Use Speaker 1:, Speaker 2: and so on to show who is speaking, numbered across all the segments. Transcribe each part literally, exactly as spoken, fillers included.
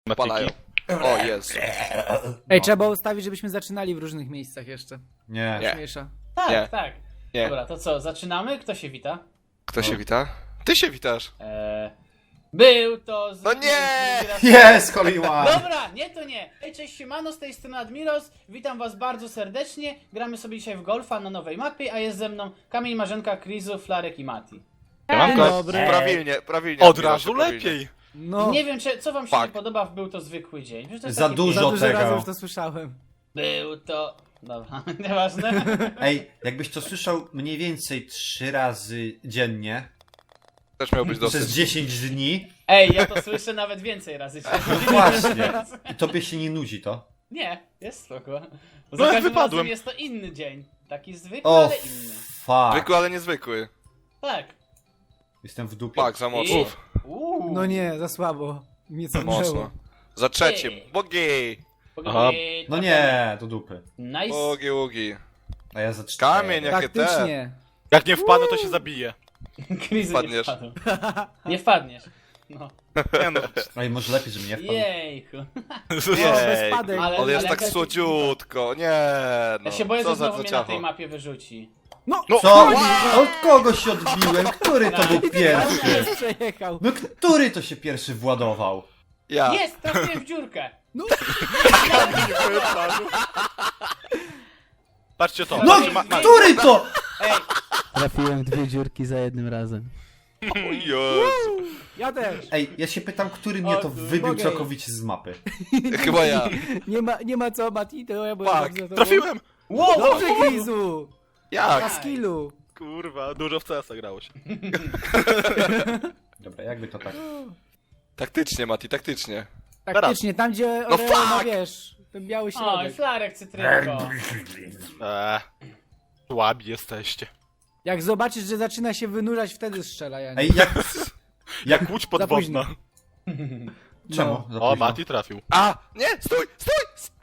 Speaker 1: Palają. O, jest.
Speaker 2: Ej,
Speaker 3: No.
Speaker 2: trzeba było ustawić, żebyśmy zaczynali w różnych miejscach jeszcze.
Speaker 3: Nie.
Speaker 1: Nie.
Speaker 2: Śmiesza.
Speaker 4: Tak,
Speaker 1: Nie.
Speaker 4: tak.
Speaker 1: Nie.
Speaker 4: Dobra, to co, zaczynamy? Kto się wita?
Speaker 1: Kto się wita? Ty się witasz.
Speaker 4: Eee, był to... Z...
Speaker 1: No nie!
Speaker 3: Jest, Holy One!
Speaker 4: Dobra, nie to nie. Hej, cześć, siemano, z tej strony Admiros. Witam was bardzo serdecznie. Gramy sobie dzisiaj w golfa na nowej mapie, a jest ze mną Kamień, Marzenka, Krizu, Flarek i Mati.
Speaker 1: Siemanko.
Speaker 2: Dobry.
Speaker 1: Prawilnie, prawilnie.
Speaker 5: Od
Speaker 1: Admirosie,
Speaker 5: razu
Speaker 1: prawilnie.
Speaker 5: lepiej.
Speaker 2: No,
Speaker 4: Nie wiem, czy, co wam się
Speaker 1: Fuck.
Speaker 4: nie podoba w Był to zwykły dzień. Przecież to jest
Speaker 3: Za
Speaker 4: taki
Speaker 3: dużo
Speaker 2: za
Speaker 4: film.
Speaker 2: dużo
Speaker 3: tego.
Speaker 2: razy już to słyszałem.
Speaker 4: Był to... Dobra, nieważne.
Speaker 3: Ej, jakbyś to słyszał mniej więcej trzy razy dziennie,
Speaker 1: Też miał być
Speaker 3: przez
Speaker 1: dosyć.
Speaker 3: dziesięć dni,
Speaker 4: Ej, ja to słyszę nawet więcej razy.
Speaker 3: właśnie, i tobie się nie nudzi to.
Speaker 4: Nie, jest spoko. Bo
Speaker 5: No
Speaker 4: za
Speaker 5: jak
Speaker 4: każdym
Speaker 5: wypadłem.
Speaker 4: razem jest to inny dzień. Taki zwykły,
Speaker 3: O,
Speaker 4: ale inny.
Speaker 3: fuck.
Speaker 1: Zwykły, ale niezwykły.
Speaker 4: Tak.
Speaker 3: Jestem w dupie.
Speaker 1: Pak, za mocno.
Speaker 4: I... Uuu.
Speaker 2: No nie, za słabo. Mnie co
Speaker 1: Mocno. Za trzecim.
Speaker 4: Ej.
Speaker 1: Bogi!
Speaker 5: Aha.
Speaker 3: No nie, do dupy.
Speaker 4: Nice.
Speaker 3: Tak.
Speaker 1: Bogi, ługi.
Speaker 3: A ja za cztery.
Speaker 1: Kamień, jakie te.
Speaker 2: Taktycznie.
Speaker 5: Jak nie wpadnę, to się zabiję.
Speaker 4: Krizy nie
Speaker 1: Wpadniesz.
Speaker 4: wpadł. Nie wpadniesz. No.
Speaker 5: Nie no.
Speaker 3: Ej, może lepiej, żeby nie wpadł.
Speaker 4: Jejku.
Speaker 2: O, bez
Speaker 5: Jej.
Speaker 2: spadek.
Speaker 4: Ale-
Speaker 1: On jest tak
Speaker 4: jakaś-
Speaker 1: słodziutko. Nie no.
Speaker 4: Ja się boję,
Speaker 1: Co
Speaker 4: że
Speaker 1: za
Speaker 4: znowu mnie na tej
Speaker 1: ciacho.
Speaker 4: mapie wyrzuci.
Speaker 2: No,
Speaker 5: No,
Speaker 3: Co? Od kogo się odbiłem? Który to był
Speaker 2: ale
Speaker 3: pierwszy?
Speaker 2: jest przejechał.
Speaker 3: No który to się pierwszy władował?
Speaker 1: Ja.
Speaker 4: Jest, trafiłem w dziurkę.
Speaker 2: No,
Speaker 5: Patrzcie to.
Speaker 3: No,
Speaker 5: Patrzcie, ma, ma.
Speaker 3: który to?
Speaker 4: Ej,
Speaker 6: Trafiłem dwie dziurki za jednym razem.
Speaker 1: O Jezu.
Speaker 2: ja też.
Speaker 3: Ej, ja się pytam, który mnie to wybił
Speaker 2: Mogę.
Speaker 3: całkowicie z mapy.
Speaker 1: Chyba ja.
Speaker 2: Nie ma, nie ma co, Mati, to ja byłem
Speaker 1: Fuck,
Speaker 2: bardzo za tobą.
Speaker 5: Trafiłem!
Speaker 4: wow,
Speaker 2: Dobrze, Krizu.
Speaker 1: Jak?
Speaker 2: Na skillu.
Speaker 5: Kurwa, dużo w C S-a grało się.
Speaker 3: Dobra, jakby to tak.
Speaker 1: Taktycznie, Mati, taktycznie.
Speaker 2: Taktycznie, tam gdzie
Speaker 1: No
Speaker 2: Oreo ma,
Speaker 1: fuck!
Speaker 2: wiesz, ten biały
Speaker 4: Oj,
Speaker 2: środek.
Speaker 4: Flarek, cytrynko.
Speaker 5: Eee. Słabi jesteście.
Speaker 2: Jak zobaczysz, że zaczyna się wynurzać, wtedy strzela, ja nie.
Speaker 3: Ej, jak... Jak...
Speaker 5: Łódź podwodna.
Speaker 3: Czemu?
Speaker 2: No.
Speaker 3: Za
Speaker 5: O,
Speaker 3: późno.
Speaker 5: Mati trafił.
Speaker 1: A! Nie! Stój! Stój!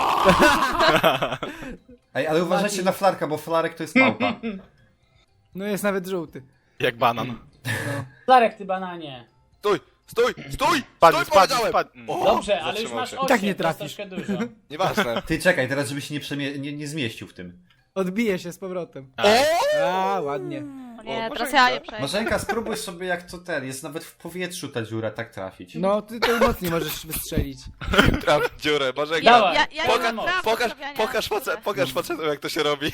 Speaker 3: Ej, ale uważajcie na Flarka, bo Flarek to jest małpa.
Speaker 2: No jest nawet żółty.
Speaker 5: Jak banan.
Speaker 4: Flarek, ty bananie.
Speaker 1: Stój! Stój! Stój!
Speaker 5: Spadnie,
Speaker 1: Stój,
Speaker 5: spadnie,
Speaker 1: powiedziałem!
Speaker 5: spadnie.
Speaker 1: O,
Speaker 4: Dobrze, ale już
Speaker 1: zatrzymał
Speaker 4: masz
Speaker 1: się.
Speaker 4: osiem,
Speaker 2: I tak nie
Speaker 4: to jest
Speaker 2: trafisz.
Speaker 4: troszkę dużo.
Speaker 1: Nieważne.
Speaker 3: Ty czekaj, teraz żebyś się nie, przemie... nie, nie zmieścił w tym.
Speaker 2: Odbije się z powrotem.
Speaker 5: Ej.
Speaker 2: A, ładnie.
Speaker 7: Nie,
Speaker 1: O,
Speaker 7: teraz
Speaker 1: Marzenka.
Speaker 7: ja je przejdę.
Speaker 3: Marzenka, spróbuj sobie jak to ten, jest nawet w powietrzu ta dziura tak trafić.
Speaker 2: No, ty to mocniej możesz wystrzelić.
Speaker 1: Traf w dziurę, Marzenka.
Speaker 4: Dawaj.
Speaker 7: Ja, ja
Speaker 1: Poka
Speaker 7: nie mam prawa
Speaker 1: pokaż,
Speaker 7: stawiania.
Speaker 1: pokaż, face pokaż facetom, jak to się robi.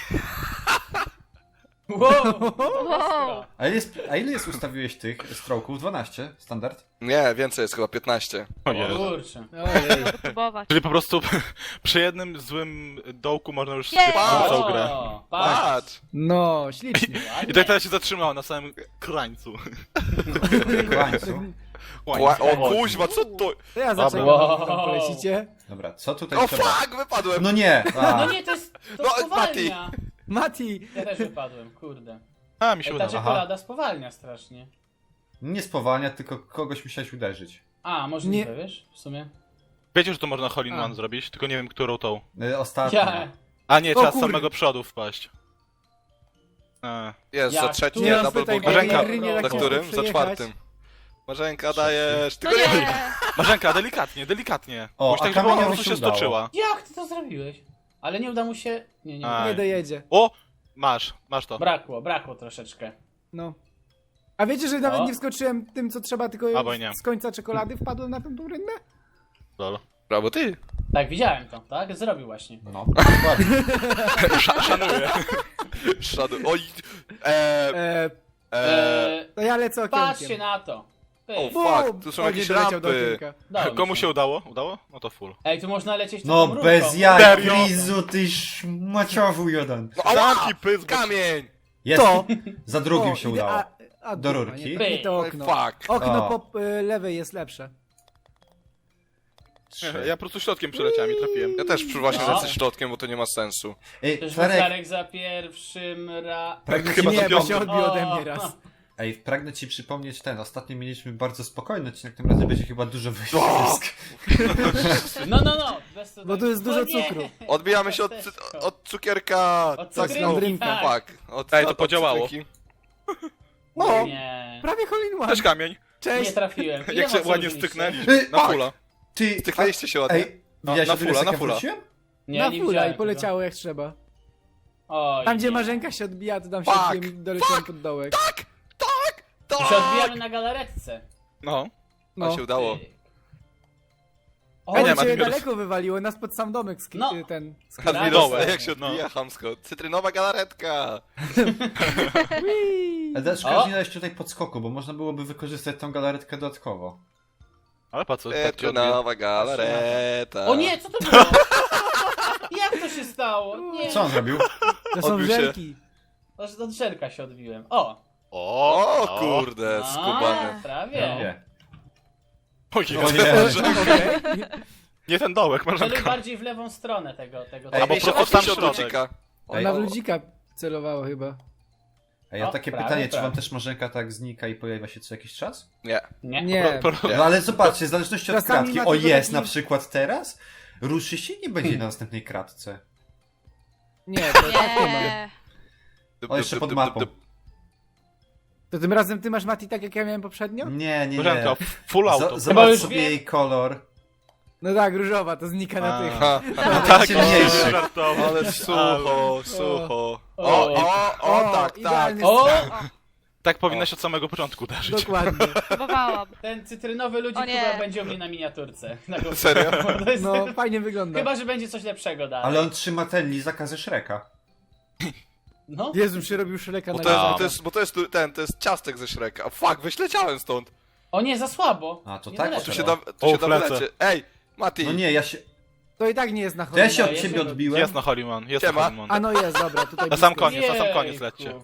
Speaker 4: Wow,
Speaker 7: Wow.
Speaker 3: A ile, jest, a ile jest ustawiłeś tych stroków? dwanaście? Standard?
Speaker 1: Nie, więcej jest chyba piętnaście.
Speaker 5: O
Speaker 4: o
Speaker 5: Jezu.
Speaker 4: kurczę.
Speaker 2: Ojej.
Speaker 7: Próbować.
Speaker 5: Czyli po prostu przy jednym złym dołku można już
Speaker 7: Jej.
Speaker 5: skipować całą grę.
Speaker 4: O, patrz.
Speaker 1: Patrz!
Speaker 2: No, ślicznie.
Speaker 5: I tak teraz się zatrzymała na samym krańcu.
Speaker 3: W końcu.
Speaker 1: Kła o kuźwa, co to?
Speaker 2: To ja
Speaker 5: Dobra.
Speaker 2: zaczekam,
Speaker 4: Wow.
Speaker 2: wow. tam polecicie.
Speaker 3: Dobra, co tutaj
Speaker 1: O
Speaker 3: trzeba?
Speaker 1: fuck, wypadłem!
Speaker 3: No nie! A.
Speaker 4: No nie, to jest... To
Speaker 1: No,
Speaker 4: spowalnia.
Speaker 2: Mati!
Speaker 4: Ja też wypadłem, kurde.
Speaker 5: A, mi się
Speaker 4: Ej, ta
Speaker 5: udało.
Speaker 4: czekolada spowalnia strasznie.
Speaker 3: Nie spowalnia, tylko kogoś musiałeś uderzyć.
Speaker 4: A, możliwe,
Speaker 2: Nie.
Speaker 4: wiesz, w sumie.
Speaker 5: Wiecie, że to można Hole in
Speaker 2: A.
Speaker 5: One zrobić, tylko nie wiem, którą tą.
Speaker 3: Y, Ostatnio.
Speaker 4: Ja...
Speaker 5: A nie,
Speaker 2: O
Speaker 5: trzeba z
Speaker 2: kurde.
Speaker 5: samego przodu wpaść. Eee.
Speaker 1: Jest,
Speaker 4: Ja
Speaker 1: za
Speaker 4: tu
Speaker 1: trzecim,
Speaker 2: Nie
Speaker 1: nie,
Speaker 2: nas
Speaker 1: double
Speaker 2: pytaj,
Speaker 1: boogie.
Speaker 2: bo
Speaker 5: Marzenka.
Speaker 2: Irry nie
Speaker 4: Za
Speaker 2: tak
Speaker 1: Za
Speaker 2: ciężko
Speaker 1: którym? Za
Speaker 2: przejechać.
Speaker 1: czwartym. Marzenka, dajesz.
Speaker 7: No
Speaker 1: Tylko nie...
Speaker 7: nie.
Speaker 5: Marzenka, delikatnie, delikatnie.
Speaker 3: O,
Speaker 5: Musisz
Speaker 3: a
Speaker 5: tak, żeby
Speaker 3: kamieniowi
Speaker 5: ona po prostu
Speaker 3: się
Speaker 5: się
Speaker 3: udało.
Speaker 5: stoczyła.
Speaker 4: Jak ty to zrobiłeś? Ale nie uda mu się... Nie, nie.
Speaker 5: A.
Speaker 2: Nie dojedzie.
Speaker 5: O! Masz, masz to.
Speaker 4: Brakło, brakło troszeczkę.
Speaker 2: No. A wiecie, że nawet
Speaker 4: O.
Speaker 2: nie wskoczyłem tym, co trzeba, tylko
Speaker 5: Albo nie.
Speaker 2: z końca czekolady wpadłem na tą rynę?
Speaker 5: Lol.
Speaker 1: Brawo ty.
Speaker 4: Tak, widziałem to, tak? Zrobił właśnie.
Speaker 3: No, dokładnie.
Speaker 5: Sz szanuję.
Speaker 1: Szadu. Oj. Eee,
Speaker 2: Eee,
Speaker 1: eee.
Speaker 4: Eee,
Speaker 2: to ja lecę okienkiem.
Speaker 4: patrzcie na to. Ty.
Speaker 1: O,
Speaker 2: Bum!
Speaker 1: fuck, tu są
Speaker 2: O,
Speaker 1: jakieś
Speaker 2: nie doleciał do
Speaker 1: rampy.
Speaker 2: okienka.
Speaker 4: Dało mi
Speaker 5: Komu się udało? Udało? No to full.
Speaker 4: Ej, tu można lecieć
Speaker 3: No
Speaker 4: taką
Speaker 3: bez
Speaker 4: rurką.
Speaker 3: jaj,
Speaker 5: Serio?
Speaker 3: Krizu, ty szmaciowu jeden.
Speaker 1: No, ała!
Speaker 5: Zamki, pysk, bo-
Speaker 1: Kamień!
Speaker 3: Jest,
Speaker 2: To.
Speaker 3: za drugim
Speaker 2: O,
Speaker 3: się
Speaker 2: ide-
Speaker 3: udało.
Speaker 2: A, a,
Speaker 3: Do
Speaker 2: kurwa,
Speaker 3: rurki.
Speaker 2: Nie, nie to
Speaker 1: Oj,
Speaker 2: okno.
Speaker 1: fuck.
Speaker 2: Okno
Speaker 3: O.
Speaker 2: po y, lewej jest lepsze.
Speaker 3: Trzy.
Speaker 5: Ja po prostu środkiem przeleciałem i trafiłem.
Speaker 1: Ja też przy właśnie
Speaker 4: No.
Speaker 1: lecę środkiem, bo to nie ma sensu.
Speaker 3: Ej,
Speaker 4: Też
Speaker 3: Flarek,
Speaker 4: Flarek za pierwszym ra...
Speaker 3: pragnę ci,
Speaker 5: Chyba
Speaker 2: nie,
Speaker 5: to
Speaker 2: bo
Speaker 5: piąty.
Speaker 2: się odbił ode mnie
Speaker 4: O.
Speaker 2: raz.
Speaker 3: ej, pragnę ci przypomnieć ten, ostatnio mieliśmy bardzo spokojny odcinek, tym razem będzie chyba dużo wyścig.
Speaker 4: No, no, no. Bez to
Speaker 2: Bo tu jest
Speaker 4: O
Speaker 2: dużo
Speaker 4: nie!
Speaker 2: cukru.
Speaker 1: Odbijamy się od,
Speaker 4: Ciasteczko.
Speaker 1: od cukierka.
Speaker 4: Od
Speaker 1: Tak,
Speaker 4: cukrynki,
Speaker 1: no,
Speaker 2: Landrynka.
Speaker 4: tak.
Speaker 1: fuck. Od,
Speaker 5: Ej, to
Speaker 1: od- od
Speaker 5: podziałało.
Speaker 1: cukrynki.
Speaker 2: O,
Speaker 4: Nie.
Speaker 2: prawie Hole in One.
Speaker 5: Cześć kamień.
Speaker 4: Nie
Speaker 2: Cześć.
Speaker 4: trafiłem. Ile
Speaker 5: Jak się
Speaker 4: mocy
Speaker 5: ładnie
Speaker 4: użyliście?
Speaker 5: styknęli.
Speaker 3: Ej,
Speaker 5: Na
Speaker 3: fuck.
Speaker 5: fulla.
Speaker 3: Ty,
Speaker 1: Styknęliście się ładnie.
Speaker 3: Ej, widziałeś,
Speaker 1: na
Speaker 3: o ile
Speaker 1: fulla,
Speaker 3: sekund
Speaker 1: na fulla.
Speaker 3: wróciłem?
Speaker 4: Nie,
Speaker 2: Na
Speaker 4: nie
Speaker 2: fula
Speaker 4: widziałem
Speaker 2: i poleciało jak trzeba.
Speaker 4: tego. Oj,
Speaker 2: Tam gdzie
Speaker 4: nie.
Speaker 2: Marzenka się odbija, to tam się
Speaker 1: Fuck,
Speaker 2: odbiłem i doleciałem pod dołek.
Speaker 4: My się odbijamy na galaretce.
Speaker 5: No.
Speaker 1: No.
Speaker 2: No.
Speaker 1: się udało.
Speaker 4: Tyk.
Speaker 2: O,
Speaker 5: nie
Speaker 2: cię
Speaker 5: ma takiego-
Speaker 2: daleko wywaliło, nas pod sam domek sk-
Speaker 4: No.
Speaker 2: ten.
Speaker 1: Admiros,
Speaker 5: dołek.
Speaker 1: jak się odbija chamsko. Cytrynowa galaretka.
Speaker 2: Whee!
Speaker 3: Ale szkoda,
Speaker 4: O!
Speaker 3: że nie dałeś tutaj podskoku, bo można byłoby wykorzystać tą galaretkę dodatkowo.
Speaker 5: Ale po co? Tak cię odbiję?
Speaker 1: Cytrynowa galareta.
Speaker 4: O nie, co to było? Jak to się stało? Nie.
Speaker 3: Co on zrobił?
Speaker 2: To są
Speaker 1: Odbił się.
Speaker 2: żelki.
Speaker 4: Od od żelka się odbiłem. O!
Speaker 1: O kurde,
Speaker 4: A,
Speaker 1: skubany.
Speaker 4: prawie.
Speaker 3: Nie.
Speaker 5: Ojej,
Speaker 3: O nie.
Speaker 2: Okej.
Speaker 5: nie ten dołek,
Speaker 4: Celuj
Speaker 5: Marzenka.
Speaker 4: bardziej w lewą stronę tego, tego.
Speaker 3: Ej,
Speaker 5: Albo
Speaker 1: Ej, się
Speaker 5: po-
Speaker 1: odbij
Speaker 5: sam
Speaker 1: się od
Speaker 5: środek.
Speaker 1: ludzika.
Speaker 3: Ej,
Speaker 2: Ona w
Speaker 3: o-
Speaker 2: ludzika celowała chyba.
Speaker 3: A ja
Speaker 4: O,
Speaker 3: takie
Speaker 4: prawie,
Speaker 3: pytanie, czy wam
Speaker 4: prawie.
Speaker 3: też Marzenka tak znika i pojawia się co jakiś czas?
Speaker 1: Nie.
Speaker 4: Nie.
Speaker 2: Nie.
Speaker 5: Pro- pro-
Speaker 3: No ale zobaczcie, w zależności od
Speaker 2: Czasami
Speaker 3: kratki.
Speaker 2: ma
Speaker 3: O
Speaker 2: tylko
Speaker 3: jest,
Speaker 2: taki-
Speaker 3: na przykład teraz ruszy się i nie będzie na następnej kratce.
Speaker 2: Nie, to tak nie ma.
Speaker 7: Nie.
Speaker 1: Dup,
Speaker 3: O,
Speaker 1: dup,
Speaker 3: jeszcze
Speaker 1: dup,
Speaker 3: pod
Speaker 1: dup,
Speaker 3: mapą.
Speaker 1: dup.
Speaker 2: To tym razem ty masz Mati tak jak ja miałem poprzednio?
Speaker 3: Nie, nie,
Speaker 5: Marzenka,
Speaker 3: nie.
Speaker 5: full
Speaker 3: Z-
Speaker 5: auto.
Speaker 4: Chyba
Speaker 3: Zobacz
Speaker 4: już
Speaker 3: sobie
Speaker 4: wiem.
Speaker 3: jej kolor.
Speaker 2: No tak, różowa, to znika na
Speaker 5: A.
Speaker 2: tych.
Speaker 1: Ha,
Speaker 5: Tak,
Speaker 3: ciemniejszy.
Speaker 5: żartował.
Speaker 1: ale sucho, sucho. O,
Speaker 4: O.
Speaker 1: o, o, tak, tak.
Speaker 2: idealny
Speaker 4: O!
Speaker 2: strzał.
Speaker 5: Tak powinnaś od samego początku uderzyć.
Speaker 2: Dokładnie.
Speaker 7: Próbowałam.
Speaker 4: Ten cytrynowy ludzik
Speaker 7: O nie.
Speaker 4: chyba będzie u mnie na miniaturce. Na go-
Speaker 1: Serio?
Speaker 4: To jest-
Speaker 2: No, fajnie wygląda.
Speaker 4: Chyba, że będzie coś lepszego dalej.
Speaker 3: Ale on trzyma ten lizaka ze Shreka.
Speaker 4: No.
Speaker 2: Jezu, się robił Szreka
Speaker 1: Bo
Speaker 2: na
Speaker 1: to, jest,
Speaker 2: górze.
Speaker 1: bo, to jest, bo to jest tu- ten, to jest ciastek ze Shreka. Fuck, wyśleciałem stąd.
Speaker 4: O nie, za słabo.
Speaker 3: A, to
Speaker 4: Nie
Speaker 3: tak?
Speaker 4: doleciał.
Speaker 1: Tu się da, tu
Speaker 5: O,
Speaker 1: się da
Speaker 5: flecę.
Speaker 1: wylecie. Ej, Mati.
Speaker 3: No nie, ja się...
Speaker 2: To i tak nie jest na
Speaker 3: To ja
Speaker 2: chodzie.
Speaker 3: się
Speaker 4: No,
Speaker 3: od
Speaker 4: ja
Speaker 3: ciebie
Speaker 4: się-
Speaker 3: odbiłem.
Speaker 5: Jest na Holiman, jest
Speaker 1: Siema.
Speaker 5: na Holiman.
Speaker 2: A no jest, dobra, tutaj
Speaker 5: Na sam
Speaker 2: blisko.
Speaker 5: koniec, na sam koniec
Speaker 4: Jejku.
Speaker 5: lećcie.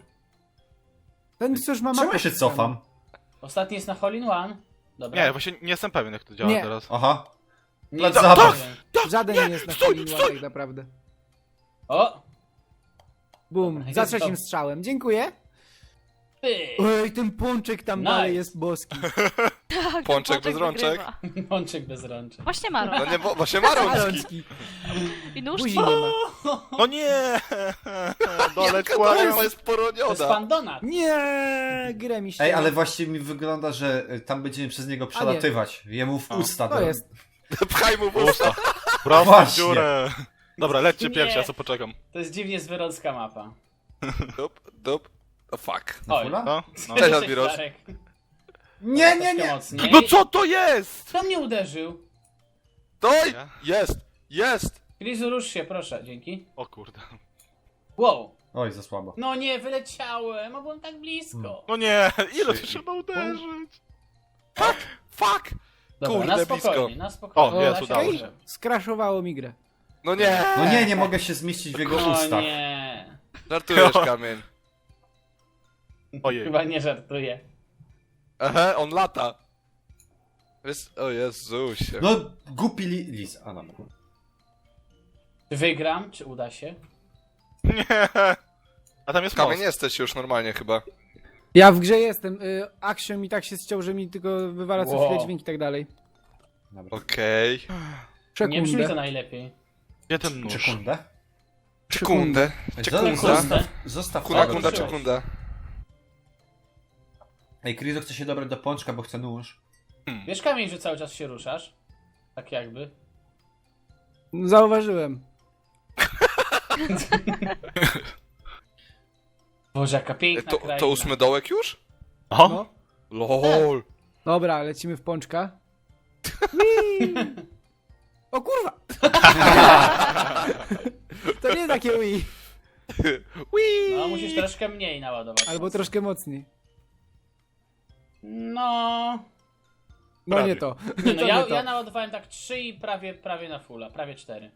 Speaker 2: Ten cóż ma
Speaker 3: Czemu
Speaker 2: mapę
Speaker 3: ja się cofam?
Speaker 4: Ostatni jest na Hole in One. Dobra.
Speaker 5: Nie, właśnie nie jestem pewien jak to działa
Speaker 2: Nie.
Speaker 5: teraz.
Speaker 3: Aha.
Speaker 4: Nie
Speaker 3: Plac
Speaker 4: jest
Speaker 3: zabaw.
Speaker 4: pewien.
Speaker 2: Żaden nie jest na
Speaker 5: stój,
Speaker 2: Hole in One
Speaker 5: stój!
Speaker 2: tak naprawdę.
Speaker 4: O!
Speaker 2: Bum,
Speaker 4: Dobra,
Speaker 2: za
Speaker 4: jest
Speaker 2: trzecim
Speaker 4: to.
Speaker 2: strzałem. Dziękuję.
Speaker 4: Ty!
Speaker 2: Ej, ten pączek tam
Speaker 4: Nice.
Speaker 2: dalej jest boski.
Speaker 7: Tak,
Speaker 1: Pączek bez rączek.
Speaker 7: wygrywa.
Speaker 4: Pączek bez rączek.
Speaker 7: Właśnie ma
Speaker 1: No
Speaker 7: rączki.
Speaker 1: nie, bo, właśnie Marączki.
Speaker 2: Malączki.
Speaker 7: I nóż.
Speaker 2: Buzi nie ma.
Speaker 5: No nie! Doleć
Speaker 1: Jaka to
Speaker 5: kłaniam.
Speaker 1: jest
Speaker 4: To jest
Speaker 1: poroniona.
Speaker 4: pan Donat.
Speaker 2: Nie, grę mi się.
Speaker 3: Ej, ale właśnie mi wygląda, że y, tam będziemy przez niego przelatywać. Jemu w
Speaker 5: A.
Speaker 3: usta.
Speaker 2: To
Speaker 3: do-
Speaker 2: jest.
Speaker 1: Pchaj mu w usta.
Speaker 5: Usta. Prosto w
Speaker 3: Właśnie.
Speaker 5: dziurę. Dobra, lećcie
Speaker 4: Nie.
Speaker 5: pierwsi, ja co poczekam.
Speaker 4: To jest dziwnie zwyrocka mapa.
Speaker 1: Dup, dup. O fuck.
Speaker 3: Na
Speaker 4: Oj.
Speaker 3: fula?
Speaker 5: No, no.
Speaker 1: Cześć, Admiros.
Speaker 4: Flarek.
Speaker 3: Nie, nie,
Speaker 4: Troszkę
Speaker 3: nie!
Speaker 4: mocniej.
Speaker 5: No co to jest?
Speaker 4: Kto mnie uderzył?
Speaker 1: Doj!
Speaker 5: Ja?
Speaker 1: Jest! Jest!
Speaker 4: Krizu, rusz się, proszę, dzięki.
Speaker 5: O kurde.
Speaker 4: Wow.
Speaker 3: Oj, za słabo.
Speaker 4: No nie, wyleciałem, a byłem tak blisko.
Speaker 5: No nie, ile tu trzeba uderzyć?
Speaker 1: Fuck!
Speaker 4: Dobra,
Speaker 1: Kurde,
Speaker 4: na spokojnie,
Speaker 1: blisko.
Speaker 4: na spokojnie.
Speaker 5: O, jest,
Speaker 4: Da się
Speaker 5: udało
Speaker 4: dobrze.
Speaker 5: się.
Speaker 2: Skraszowało mi grę.
Speaker 1: No nie!
Speaker 3: No nie, nie mogę się zmieścić w jego
Speaker 4: O
Speaker 3: ustach.
Speaker 4: nie.
Speaker 1: Żartujesz, kamień.
Speaker 5: Ojej.
Speaker 4: Chyba nie żartuję.
Speaker 1: Aha, on lata. Jest... O Jezusie.
Speaker 3: No, głupi li... lis. A, dobra.
Speaker 4: Czy wygram, czy uda się?
Speaker 5: Nie. A tam jest
Speaker 1: Kamień
Speaker 5: most.
Speaker 1: jesteś już normalnie chyba.
Speaker 2: Ja w grze jestem. Y, Action mi tak się ściął, że mi tylko wywala co
Speaker 4: Wow.
Speaker 2: chwilę dźwięk i tak dalej.
Speaker 3: Dobra.
Speaker 1: Okej.
Speaker 4: Nie brzmi to
Speaker 2: Sekundę.
Speaker 4: najlepiej.
Speaker 5: Gdzie ten nóż?
Speaker 3: Sekundę.
Speaker 1: Sekundę.
Speaker 3: Sekunda.
Speaker 1: Sekunda.
Speaker 3: Zostaw, zostaw
Speaker 1: Kunda,
Speaker 3: tego.
Speaker 1: kunda,
Speaker 4: ruszyłeś.
Speaker 1: sekunda.
Speaker 3: Ej, Krizo chce się dobrać do pączka, bo chce nóż.
Speaker 4: Wiesz, Kamień, że cały czas się ruszasz? Tak jakby.
Speaker 2: Zauważyłem.
Speaker 4: Boże, jaka piękna
Speaker 1: To,
Speaker 4: kraina.
Speaker 1: to ósmy dołek już?
Speaker 5: O?
Speaker 2: No.
Speaker 1: LOL.
Speaker 2: Dobra, lecimy w pączka. Whee! O kurwa! To nie takie Wii.
Speaker 4: No, musisz troszkę mniej naładować.
Speaker 2: Albo troszkę mocniej.
Speaker 4: No...
Speaker 2: No
Speaker 5: Prawie.
Speaker 2: nie to.
Speaker 4: Nie, no
Speaker 2: To
Speaker 4: ja,
Speaker 2: nie to.
Speaker 4: ja naładowałem tak trzy i prawie, prawie na fulla, prawie cztery.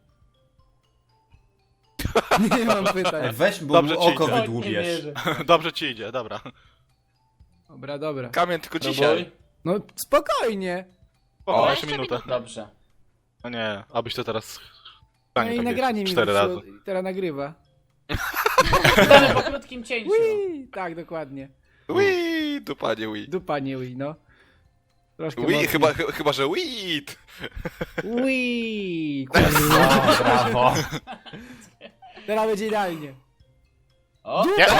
Speaker 2: Nie mam
Speaker 3: Ej,
Speaker 2: pytań.
Speaker 3: weź, bo
Speaker 5: Dobrze
Speaker 3: mu
Speaker 5: ci
Speaker 3: oko
Speaker 5: idzie.
Speaker 4: O, nie
Speaker 3: wydłubiesz.
Speaker 4: wierzę.
Speaker 5: Dobrze ci idzie, dobra.
Speaker 2: Dobra, dobra.
Speaker 1: Kamień tylko dzisiaj.
Speaker 4: Próbuj.
Speaker 2: No spokojnie.
Speaker 5: O,
Speaker 1: O,
Speaker 5: jeszcze minutę.
Speaker 4: Dobrze.
Speaker 5: No nie, abyś to teraz...
Speaker 2: No i nagranie mi
Speaker 5: cztery razy.
Speaker 2: wróciło, teraz nagrywa.
Speaker 4: Witamy po krótkim cięciu.
Speaker 2: Wii! Tak, dokładnie.
Speaker 1: Wii, dupanie Wii.
Speaker 2: Dupa nie Wii, no. Troszkę
Speaker 1: Wii,
Speaker 2: mocniej.
Speaker 1: chyba, ch- chyba, że weed.
Speaker 2: Wii!
Speaker 3: O, brawo.
Speaker 2: Teraz będzie idealnie.
Speaker 4: O,
Speaker 3: O!
Speaker 2: Będę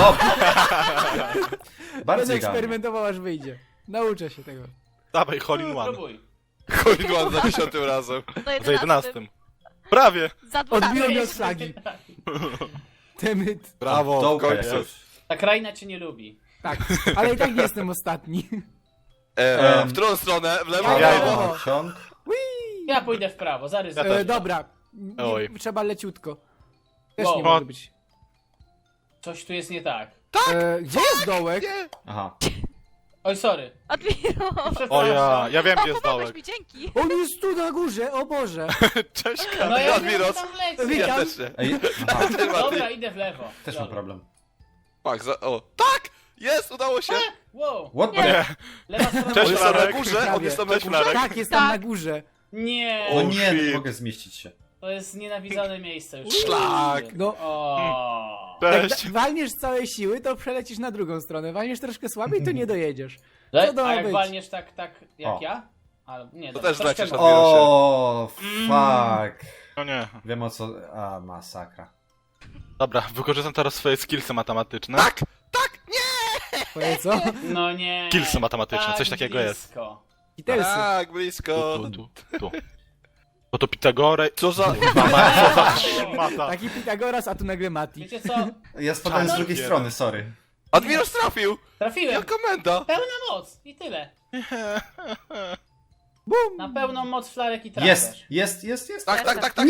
Speaker 3: Bardzo idealnie.
Speaker 2: eksperymentował aż wyjdzie. Nauczę się tego.
Speaker 5: Dawaj, Hole in One.
Speaker 4: próbuj.
Speaker 1: Coin za dziesiątym razem.
Speaker 7: Za
Speaker 5: Za jedenastym. Prawie.
Speaker 7: Za
Speaker 2: Odbiło
Speaker 7: dwunastym.
Speaker 2: mnie od flagi. Temyt.
Speaker 1: Brawo, w
Speaker 3: Dołka
Speaker 1: końcu.
Speaker 3: jakoś.
Speaker 4: Ta kraina cię nie lubi.
Speaker 2: Tak, ale i tak nie jestem ostatni.
Speaker 1: E,
Speaker 3: Em.
Speaker 1: w którą stronę? W lewo?
Speaker 2: Ja
Speaker 1: w
Speaker 3: Ja
Speaker 1: lewo?
Speaker 2: idę.
Speaker 3: idę ciąg.
Speaker 4: Ja pójdę w prawo, zaryzykuję.
Speaker 5: Ja
Speaker 2: E, dobra, nie,
Speaker 5: Oj.
Speaker 2: trzeba leciutko. Też
Speaker 4: Wow.
Speaker 2: nie może być.
Speaker 4: Coś tu jest nie tak.
Speaker 2: E, gdzie jest dołek?
Speaker 1: Nie.
Speaker 3: Aha.
Speaker 4: Oj, sorry.
Speaker 7: Admiro.
Speaker 5: O ja, ja wiem gdzie
Speaker 7: O,
Speaker 5: jest
Speaker 7: pomogłeś
Speaker 5: dołek.
Speaker 7: mi, dzięki.
Speaker 2: On jest tu na górze, o Boże.
Speaker 5: Cześć,
Speaker 4: No ja wiem,
Speaker 1: Admiros.
Speaker 4: tam lecę.
Speaker 2: Witam.
Speaker 1: Ja też nie.
Speaker 3: Ej, aha.
Speaker 4: Dobra, idę w lewo.
Speaker 3: Też mam
Speaker 4: Dobra.
Speaker 3: problem.
Speaker 1: Fuck, za... o. Tak! Jest, udało się!
Speaker 4: Wow,
Speaker 3: What the...
Speaker 5: Nie,
Speaker 4: lewa strona.
Speaker 5: Cześć,
Speaker 1: On jest tam na
Speaker 5: Flarek.
Speaker 1: górze, on jest tam na
Speaker 5: Cześć,
Speaker 1: górze.
Speaker 5: Flarek.
Speaker 2: Tak, jest tam
Speaker 7: Tak.
Speaker 2: na górze.
Speaker 4: Nie,
Speaker 3: No
Speaker 1: O,
Speaker 3: nie, nie
Speaker 1: shit.
Speaker 3: mogę zmieścić się.
Speaker 4: to jest nienawidzone miejsce już.
Speaker 1: Szlak.
Speaker 2: No,
Speaker 4: O.
Speaker 2: jak
Speaker 5: cześć.
Speaker 2: da- walniesz z całej siły, to przelecisz na drugą stronę. Walniesz troszkę słabiej, to nie dojedziesz.
Speaker 4: Le-
Speaker 2: Co to
Speaker 4: A
Speaker 2: ma
Speaker 4: jak
Speaker 2: być?
Speaker 4: walniesz tak, tak jak
Speaker 3: O.
Speaker 4: ja? Ale nie,
Speaker 1: To
Speaker 4: dobra,
Speaker 1: też
Speaker 4: troszkę
Speaker 1: lecisz na
Speaker 4: gorzej.
Speaker 1: Admirosie.
Speaker 3: O, fuck.
Speaker 5: No nie.
Speaker 3: Wiem o co... A, masakra.
Speaker 5: Dobra, wykorzystam teraz swoje skillsy matematyczne.
Speaker 1: Tak! Tak! Nie!
Speaker 2: Twoje co?
Speaker 4: No nie.
Speaker 5: Skillsy matematyczne,
Speaker 4: tak
Speaker 5: coś takiego jest.
Speaker 4: blisko.
Speaker 2: Kitelsy.
Speaker 1: Tak,
Speaker 5: Tu,
Speaker 1: blisko.
Speaker 5: tu, tu, tu. Bo to Pitagore...
Speaker 1: Co za...
Speaker 5: Mata.
Speaker 2: Taki Pitagoras, a tu nagle Mati.
Speaker 4: Wiecie co?
Speaker 3: Ja spadłem z
Speaker 5: Czarny
Speaker 3: drugiej
Speaker 5: jeden.
Speaker 3: strony, sorry.
Speaker 1: Admiros trafił!
Speaker 4: Trafiłem.
Speaker 1: Jaka menda!
Speaker 4: Pełna moc i tyle.
Speaker 2: Bum!
Speaker 4: Na pełną moc flarek i trafisz.
Speaker 3: Jest, jest, jest, jest.
Speaker 1: Tak, tak, tak, tak!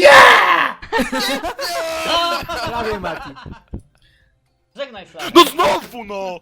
Speaker 2: Prawie Mati.
Speaker 4: Żegnaj flarek.
Speaker 5: No znowu no!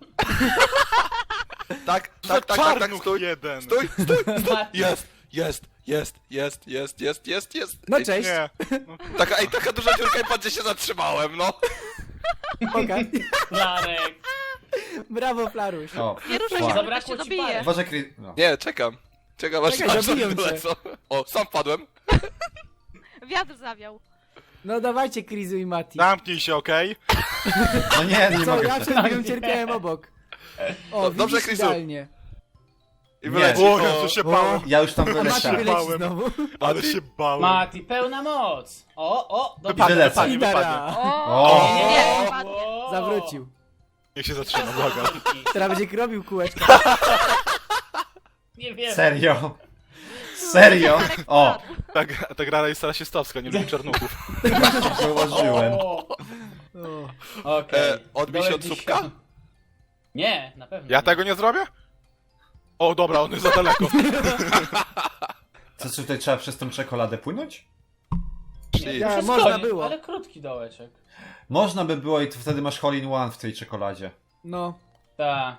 Speaker 1: Tak,
Speaker 5: Za
Speaker 1: tak, tak, tak, tak,
Speaker 5: czarnuch
Speaker 1: stój!
Speaker 5: jeden.
Speaker 1: Stój, stój!
Speaker 4: Mati.
Speaker 1: Jest, jest, jest, jest, jest, jest, jest, jest.
Speaker 2: No
Speaker 1: Ej,
Speaker 2: cześć.
Speaker 5: Nie.
Speaker 1: Taka, ej, taka duża dziurka i patrzcie się zatrzymałem, no.
Speaker 2: Okej.
Speaker 4: Flarek.
Speaker 2: Brawo, Flaruś.
Speaker 3: O,
Speaker 7: Nie ruszaj
Speaker 3: fuck.
Speaker 7: się, bo to
Speaker 4: Zabrakło
Speaker 7: się
Speaker 4: ci
Speaker 7: dobije.
Speaker 4: parę.
Speaker 3: Uważaj, Chris... No.
Speaker 1: Nie, czekam. Czekam aż
Speaker 2: Czekaj,
Speaker 1: aż
Speaker 2: zabiją
Speaker 1: oni
Speaker 2: cię.
Speaker 1: wylecą. O, sam padłem.
Speaker 7: Wiatr zawiał.
Speaker 2: No dawajcie, Krizu i Mati.
Speaker 5: Zamknij się, okej?
Speaker 3: No nie, nie
Speaker 2: Co,
Speaker 3: mogę
Speaker 2: ja
Speaker 3: się.
Speaker 2: przed chwilą cierpiałem obok. O,
Speaker 1: Do- dobrze,
Speaker 2: widzisz,
Speaker 1: Krizu.
Speaker 2: idealnie.
Speaker 1: I
Speaker 3: Nie.
Speaker 1: wyleci.
Speaker 5: O, Jezu, się
Speaker 2: O.
Speaker 5: bałem.
Speaker 3: Ja już tam
Speaker 2: A Mati
Speaker 3: wyleciałem.
Speaker 2: wyleci
Speaker 5: Bałem.
Speaker 2: znowu.
Speaker 5: Ale się bałem.
Speaker 4: Mati, pełna moc. O, o,
Speaker 3: I
Speaker 4: dobra.
Speaker 3: wylecę.
Speaker 5: Wypadnie, wypadnie.
Speaker 2: Idara.
Speaker 7: O,
Speaker 3: O.
Speaker 7: nie, nie, nie, nie.
Speaker 4: O.
Speaker 2: Zawrócił.
Speaker 5: Niech się zatrzyma, błagam.
Speaker 2: Teraz będzie robił kółeczka.
Speaker 4: Nie wiem.
Speaker 3: Serio? Serio? O,
Speaker 5: Ta, gra- ta gra jest rasistowska, nie lubi czarnuchów.
Speaker 3: zauważyłem.
Speaker 4: O.
Speaker 2: O.
Speaker 4: Okej.
Speaker 1: E, odbij się
Speaker 4: Dołek
Speaker 1: od słupka?
Speaker 4: dziesiąt- Nie, na pewno.
Speaker 5: Ja
Speaker 4: nie.
Speaker 5: tego nie zrobię? O, dobra, on jest za daleko.
Speaker 3: Co, czy tutaj trzeba przez tą czekoladę płynąć?
Speaker 1: Szli.
Speaker 2: Ja-
Speaker 4: Wszystko
Speaker 2: można
Speaker 4: nie,
Speaker 2: było.
Speaker 4: Ale krótki dołeczek.
Speaker 3: Można by było i to wtedy masz hole in one w tej czekoladzie.
Speaker 2: No,
Speaker 4: Ta.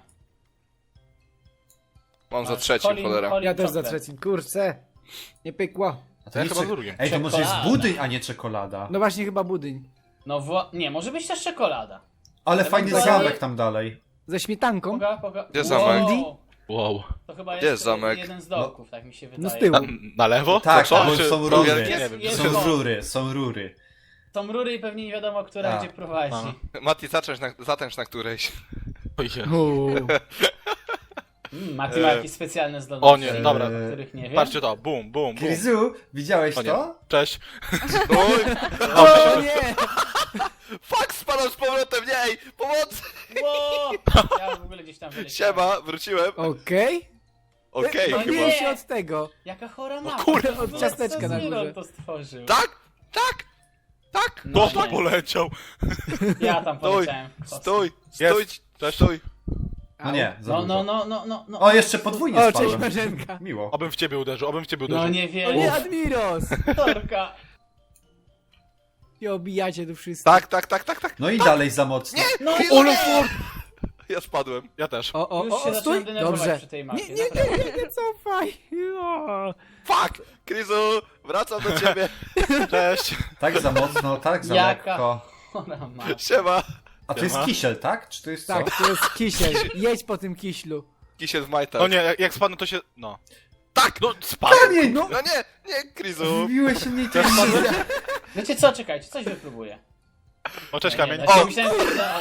Speaker 1: Mam za trzecim, cholera.
Speaker 2: ja też za trzecim. Kurczę. Nie pykło.
Speaker 3: A to
Speaker 5: Ja
Speaker 3: nie
Speaker 5: chyba
Speaker 3: czek-
Speaker 5: z drugim.
Speaker 3: Ej, to może jest
Speaker 4: Czekolada.
Speaker 3: budyń, a nie czekolada.
Speaker 2: No właśnie chyba budyń.
Speaker 4: No wła... Nie, może być też czekolada.
Speaker 3: Ale
Speaker 4: Ja
Speaker 3: fajny
Speaker 4: bym
Speaker 3: zamek
Speaker 4: wolał-
Speaker 3: tam dalej.
Speaker 2: Ze śmietanką.
Speaker 4: Poga, poga.
Speaker 1: Gdzie zamek?
Speaker 4: Wow.
Speaker 5: Wow.
Speaker 4: To chyba
Speaker 1: Gdzie
Speaker 4: jest,
Speaker 1: jest zamek?
Speaker 4: jeden z dołków, tak mi się wydaje.
Speaker 2: No z tyłu.
Speaker 5: Na, na lewo?
Speaker 3: Tak,
Speaker 5: Co?
Speaker 3: bo
Speaker 5: Czy-
Speaker 3: są
Speaker 5: to-
Speaker 3: rury.
Speaker 5: Nie
Speaker 4: Jest-
Speaker 5: wiem.
Speaker 4: jest-
Speaker 3: Są rury, są rury.
Speaker 4: Są rury i pewnie nie wiadomo, która
Speaker 3: A.
Speaker 4: gdzie prowadzi.
Speaker 5: A.
Speaker 1: Mati, zacząć na, zatęcz na którejś.
Speaker 5: O, je.
Speaker 2: Uuu.
Speaker 4: Mm, Mati ma
Speaker 5: E.
Speaker 4: jakieś specjalne zdolności.
Speaker 5: O nie, dobra.
Speaker 3: Eee,
Speaker 4: Których nie wiem.
Speaker 5: Patrzcie to, bum, bum, bum.
Speaker 3: Krizu, widziałeś
Speaker 5: O nie.
Speaker 3: to?
Speaker 5: Cześć.
Speaker 1: Oj,
Speaker 2: O nie!
Speaker 1: fuck, spadam z powrotem, nie, ej, pomocy!
Speaker 4: Wow! Ja w ogóle gdzieś tam wyleciałem.
Speaker 1: Siema, wróciłem.
Speaker 2: Okej.
Speaker 1: Okej,
Speaker 4: No
Speaker 1: chyba.
Speaker 4: nie.
Speaker 2: Odbiję się od tego.
Speaker 4: Jaka chora
Speaker 5: No
Speaker 4: mapa.
Speaker 5: kurde,
Speaker 4: W ogóle
Speaker 2: od ciasteczka
Speaker 4: co
Speaker 2: na
Speaker 4: Zero
Speaker 2: górze.
Speaker 4: to stworzył.
Speaker 1: Tak, tak, tak.
Speaker 4: No
Speaker 5: Kto to
Speaker 4: nie.
Speaker 5: poleciał?
Speaker 4: Ja tam
Speaker 1: Stój,
Speaker 4: poleciałem. w kosmos.
Speaker 1: Stój,
Speaker 5: Jest.
Speaker 1: stój,
Speaker 5: Cześć.
Speaker 1: stój.
Speaker 3: No nie, za
Speaker 4: No,
Speaker 3: dużo.
Speaker 4: no, no, no, no, no.
Speaker 3: O, jeszcze podwójnie
Speaker 2: O, cześć
Speaker 3: spadłem.
Speaker 2: Marzenka.
Speaker 3: Miło.
Speaker 5: Obym w ciebie uderzył, obym w ciebie uderzył.
Speaker 4: No nie
Speaker 2: O
Speaker 4: wiem.
Speaker 2: nie, Admiros!
Speaker 4: Torka.
Speaker 2: I obijacie tu wszyscy.
Speaker 1: Tak, tak, tak, tak, tak.
Speaker 3: No i dalej za mocno.
Speaker 4: No
Speaker 1: Ole, for... Ja spadłem.
Speaker 5: Ja też.
Speaker 2: O, o,
Speaker 4: Już
Speaker 2: o,
Speaker 4: się
Speaker 2: o
Speaker 4: zacząłem
Speaker 2: stój!
Speaker 4: denerwować
Speaker 2: Dobrze.
Speaker 4: przy tej
Speaker 2: Nie,
Speaker 4: mapie.
Speaker 2: nie, nie, nie, nie, cofaj! O.
Speaker 1: Fuck, Krizu, wracam do ciebie.
Speaker 5: Cześć.
Speaker 3: Tak za mocno, tak za
Speaker 4: Jaka-
Speaker 3: lekko.
Speaker 4: Chora mapa.
Speaker 1: Siema.
Speaker 3: A to jest
Speaker 5: Siema.
Speaker 3: kisiel, tak? Czy to jest co?
Speaker 2: Tak, to jest kisiel. Jedź po tym kiślu.
Speaker 1: Kisiel w majtach.
Speaker 5: No nie, jak, jak spadnę to się... No.
Speaker 1: Tak,
Speaker 5: No, spadł.
Speaker 3: Kamień!
Speaker 2: No,
Speaker 1: no nie, nie, Krizu.
Speaker 3: Wbiłeś mnie
Speaker 5: Też
Speaker 3: tym.
Speaker 5: spadłem.
Speaker 4: Wiecie co, czekajcie, coś wypróbuję.
Speaker 5: O, cześć
Speaker 4: Nie,
Speaker 5: kamień.
Speaker 4: nie, znaczy
Speaker 1: O!
Speaker 4: myślałem, że...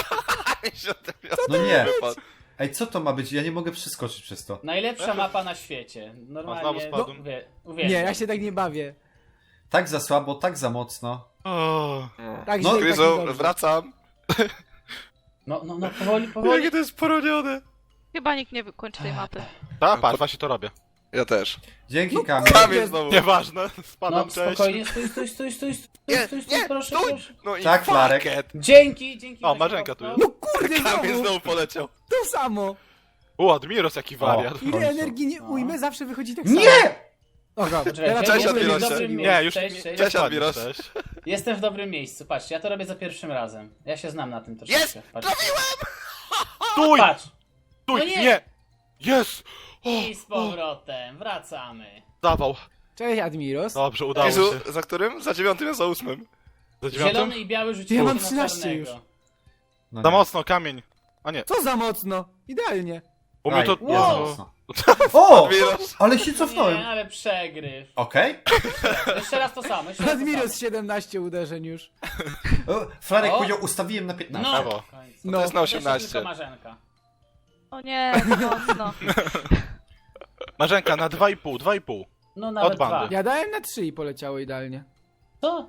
Speaker 3: No nie. Ej, co to ma być? Ja nie mogę przeskoczyć przez to.
Speaker 4: Najlepsza mapa na świecie.
Speaker 5: O,
Speaker 4: Normalnie.
Speaker 5: znowu spadłem.
Speaker 4: Uwie...
Speaker 2: nie,
Speaker 4: Uwielbiam.
Speaker 2: ja się tak nie bawię.
Speaker 3: Tak za słabo, tak za mocno.
Speaker 5: O,
Speaker 2: Tak
Speaker 3: No,
Speaker 2: źle i tak
Speaker 1: Krizu,
Speaker 2: niedobrze.
Speaker 1: wracam.
Speaker 4: No, no, no, powoli, powoli.
Speaker 5: jakie to jest poronione.
Speaker 7: Chyba nikt nie wykończy tej mapy.
Speaker 5: Tak, patrz, właśnie to robię.
Speaker 1: Ja też.
Speaker 3: Dzięki,
Speaker 2: No
Speaker 3: Kamil.
Speaker 1: Kamil znowu.
Speaker 5: Nieważne, spadam,
Speaker 4: No
Speaker 5: cześć.
Speaker 4: spokojnie, stój, stój, stój, stój, stój,
Speaker 1: Nie,
Speaker 4: stój, stój,
Speaker 1: nie,
Speaker 4: proszę,
Speaker 1: stój!
Speaker 4: proszę.
Speaker 1: No i
Speaker 3: Tak,
Speaker 1: fuck
Speaker 3: Flarek.
Speaker 1: it.
Speaker 4: Dzięki, dzięki.
Speaker 5: O,
Speaker 4: Weź
Speaker 5: Marzenka tu
Speaker 4: kopnął.
Speaker 5: jest.
Speaker 2: No kurde,
Speaker 1: Kamil
Speaker 2: znowu!
Speaker 1: znowu poleciał.
Speaker 2: To samo!
Speaker 5: U, Admiros jaki wariat.
Speaker 2: Ile
Speaker 3: końcu.
Speaker 2: energii nie
Speaker 4: No.
Speaker 2: ujmę, zawsze wychodzi tak samo.
Speaker 3: Nie!
Speaker 2: Oga,
Speaker 4: Poczekajcie,
Speaker 2: teraz
Speaker 1: Cześć,
Speaker 4: jestem w
Speaker 1: Admirosie.
Speaker 4: dobrym
Speaker 5: Nie,
Speaker 4: miejscu.
Speaker 5: już
Speaker 4: Cześć,
Speaker 5: nie,
Speaker 4: cześć.
Speaker 1: Cześć,
Speaker 5: nie
Speaker 1: Admiros.
Speaker 5: Cześć.
Speaker 4: Jestem w dobrym miejscu. Patrzcie, ja to robię za pierwszym razem. Ja się znam na tym troszeczkę.
Speaker 1: Jest!
Speaker 4: Patrzcie.
Speaker 5: Stój!
Speaker 4: Patrz.
Speaker 5: Stój!
Speaker 4: No nie.
Speaker 5: Nie! Jest! O,
Speaker 4: I z powrotem. Wracamy.
Speaker 5: dawał.
Speaker 2: Cześć, Admiros.
Speaker 5: Dobrze, udało
Speaker 1: Jezu,
Speaker 5: się.
Speaker 1: za którym? Za dziewiątym, ja za ósmym.
Speaker 5: Za dziewiątym?
Speaker 4: Zielony i biały rzucili
Speaker 2: Ja mam
Speaker 4: na
Speaker 2: trzynaście
Speaker 4: czarnego.
Speaker 2: już.
Speaker 3: No
Speaker 5: Za
Speaker 3: nie.
Speaker 5: mocno, kamień. A nie,
Speaker 2: Co za mocno? Idealnie.
Speaker 5: u mnie to...
Speaker 3: Aj,
Speaker 4: Wow.
Speaker 5: Jezu.
Speaker 3: O!
Speaker 1: Admiros.
Speaker 3: Ale się
Speaker 4: Nie,
Speaker 3: cofnąłem.
Speaker 4: ale przegryw.
Speaker 3: Okej.
Speaker 4: Jeszcze raz to samo. Jeszcze raz to
Speaker 2: Admiros
Speaker 4: samo.
Speaker 2: siedemnaście uderzeń już.
Speaker 3: O, Flarek
Speaker 4: O.
Speaker 3: powiedział, ustawiłem na piętnaście.
Speaker 4: No,
Speaker 5: Brawo.
Speaker 4: w końcu.
Speaker 2: No.
Speaker 1: To jest na
Speaker 4: Jeszcze
Speaker 1: osiemnaście.
Speaker 4: tylko Marzenka.
Speaker 7: O nie, za mocno.
Speaker 5: Marzenka, na dwa i pół, dwa i pół.
Speaker 4: No nawet
Speaker 5: Od bandy.
Speaker 4: dwa.
Speaker 2: Ja dałem na trzy i poleciało idealnie.
Speaker 4: Co?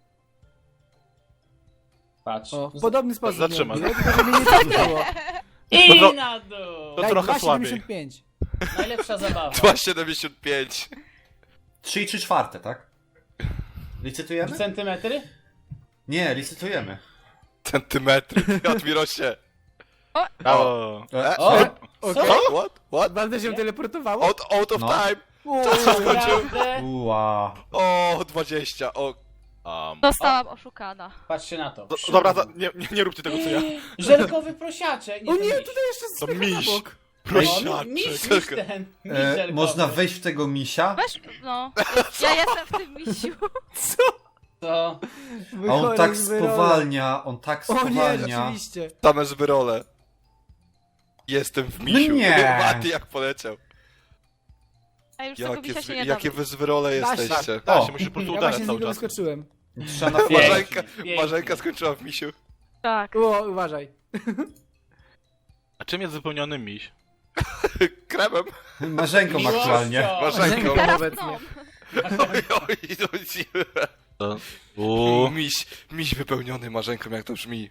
Speaker 4: Patrz.
Speaker 2: O, w podobny sposób.
Speaker 5: Zatrzymaj.
Speaker 2: miałem, tylko żeby mnie nie cofnęło.
Speaker 4: I
Speaker 5: To-
Speaker 4: na dół.
Speaker 5: To
Speaker 2: Daj
Speaker 5: trochę
Speaker 2: dwa
Speaker 5: słabiej.
Speaker 2: siedemdziesiąt pięć.
Speaker 4: Najlepsza zabawa.
Speaker 1: dwa siedemdziesiąt pięć.
Speaker 3: Trzy i trzy czwarte, tak? Licytujemy?
Speaker 4: Centymetry?
Speaker 3: Nie, licytujemy.
Speaker 1: Centymetry. Admirosie.
Speaker 5: Brawo.
Speaker 3: E,
Speaker 4: O!
Speaker 3: e,
Speaker 2: Okej.
Speaker 1: What? What? What?
Speaker 2: Bardzo się teleportowało?
Speaker 1: Out, out of
Speaker 3: No.
Speaker 1: time.
Speaker 2: O,
Speaker 4: Naprawdę?
Speaker 3: Ua.
Speaker 1: O, dwadzieścia. O. Um.
Speaker 7: Zostałam oszukana.
Speaker 4: Patrzcie na to.
Speaker 5: Do, dobra, za, nie, nie, nie róbcie tego co ja.
Speaker 4: Żelkowy prosiaczek.
Speaker 2: o
Speaker 4: ten
Speaker 2: nie,
Speaker 4: miś.
Speaker 2: tutaj jeszcze
Speaker 5: To
Speaker 2: słychać
Speaker 5: miś.
Speaker 2: na bok.
Speaker 4: O, mi- miś,
Speaker 5: Prosiaczek.
Speaker 4: miś ten. Miś
Speaker 3: E,
Speaker 4: żelkowy.
Speaker 3: można wejść w tego misia?
Speaker 7: Weź, no. Ja jestem w tym misiu.
Speaker 4: To...
Speaker 3: A on
Speaker 2: Wychodzę
Speaker 3: tak
Speaker 2: z wyrola.
Speaker 3: spowalnia, on tak
Speaker 2: O nie,
Speaker 3: spowalnia.
Speaker 2: rzeczywiście.
Speaker 1: Same zbyrole. Jestem w misiu.
Speaker 3: No nie.
Speaker 1: Mati jak poleciał.
Speaker 7: A już tego
Speaker 1: Jakie,
Speaker 7: misia
Speaker 1: zwy,
Speaker 7: się nie da.
Speaker 1: jakie wy zbyrole
Speaker 2: Da się.
Speaker 1: jesteście.
Speaker 5: Da
Speaker 3: O.
Speaker 5: się, musisz po prostu
Speaker 2: Ja
Speaker 5: uderzyć
Speaker 2: właśnie z
Speaker 5: cały
Speaker 2: niego
Speaker 5: czas.
Speaker 2: wyskoczyłem.
Speaker 3: Trzeba na
Speaker 4: Pięknie.
Speaker 3: flarek.
Speaker 1: Marzenka,
Speaker 4: pięknie.
Speaker 1: Marzenka skończyła w misiu.
Speaker 7: Tak.
Speaker 2: O, uważaj.
Speaker 5: A czym jest wypełniony miś?
Speaker 1: Kremem.
Speaker 3: Marzenką
Speaker 4: Miłością.
Speaker 3: aktualnie.
Speaker 1: Marzenką.
Speaker 2: Teraz
Speaker 7: Obecnie.
Speaker 2: obecnie.
Speaker 1: Oj, oj, oj.
Speaker 5: Uuu.
Speaker 1: Miś, miś wypełniony marzenką, jak to brzmi.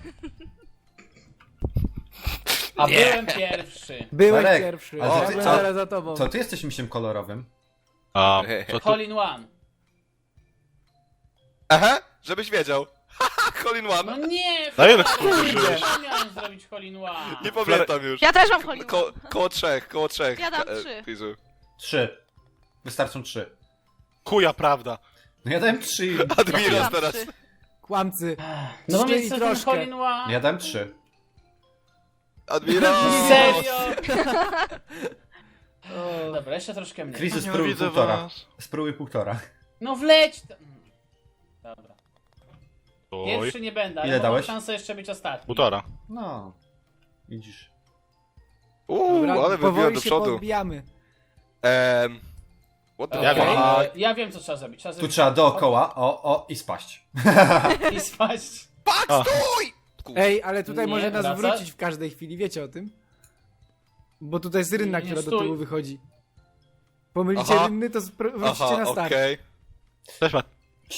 Speaker 4: A byłem pierwszy.
Speaker 2: Byłeś
Speaker 3: Marek,
Speaker 2: pierwszy.
Speaker 3: ale
Speaker 2: Ja
Speaker 3: ty-
Speaker 2: byłem
Speaker 3: a-
Speaker 2: zaraz za tobą.
Speaker 3: Co, ty jesteś misiem kolorowym?
Speaker 5: A, co tu?
Speaker 4: Hole in one.
Speaker 1: Aha, żebyś wiedział. Haha, Hole in
Speaker 4: No
Speaker 1: one.
Speaker 4: nie,
Speaker 5: Na ile
Speaker 4: Flarek,
Speaker 5: kurde
Speaker 4: ja miałem zrobić hole in one.
Speaker 1: Nie pamiętam już.
Speaker 7: Ja też mam Hollywood.
Speaker 1: Ko koło trzech, koło trzech.
Speaker 7: Ja dam
Speaker 1: Ka- e,
Speaker 7: trzy.
Speaker 1: Krizu.
Speaker 3: Trzy. Wystarczą trzy.
Speaker 5: Chuja prawda.
Speaker 3: No ja dałem trzy. i-
Speaker 1: Admiros
Speaker 7: Mam
Speaker 1: teraz.
Speaker 7: trzy.
Speaker 2: Kłamcy.
Speaker 4: No bo
Speaker 2: Trzy
Speaker 4: mieć
Speaker 2: i
Speaker 4: ten
Speaker 2: troszkę.
Speaker 4: hole in one.
Speaker 3: Ja dałem trzy.
Speaker 1: Admiros.
Speaker 4: Serio?
Speaker 2: O,
Speaker 4: Dobra, jeszcze troszkę mniej.
Speaker 3: Krizy
Speaker 5: Nie
Speaker 3: spróbuj
Speaker 5: widzę
Speaker 3: półtora.
Speaker 5: was.
Speaker 3: Spróbuj półtora.
Speaker 4: No wleć! to- Dobra.
Speaker 5: Oj.
Speaker 4: Pierwszy nie będę, ale
Speaker 3: Ile
Speaker 4: mam
Speaker 3: dałeś?
Speaker 4: szansę jeszcze być ostatni.
Speaker 5: Półtora.
Speaker 3: No. Widzisz.
Speaker 1: Uuu,
Speaker 2: dobra,
Speaker 1: ale wybiłem
Speaker 2: powoli
Speaker 1: do
Speaker 2: się
Speaker 1: przodu.
Speaker 2: podbijamy.
Speaker 1: Ehm. What the
Speaker 5: Ja
Speaker 1: fuck?
Speaker 5: wiem.
Speaker 4: E, ja wiem co trzeba zrobić. Trzeba
Speaker 3: Tu
Speaker 4: zrobić
Speaker 3: trzeba dookoła, o, o i spaść.
Speaker 4: i spaść.
Speaker 1: Fuck,
Speaker 5: A.
Speaker 1: stój!
Speaker 2: Ej, ale tutaj
Speaker 4: Nie,
Speaker 2: może nas
Speaker 4: wraca?
Speaker 2: wrócić w każdej chwili, wiecie o tym? Bo tutaj jest rynna,
Speaker 4: Nie,
Speaker 2: która do
Speaker 4: stój.
Speaker 2: tyłu wychodzi. Pomylicie
Speaker 1: Aha.
Speaker 2: rynny, to spro- wrócicie
Speaker 1: Aha,
Speaker 2: na start.
Speaker 1: okej.
Speaker 5: Cześć, Mat.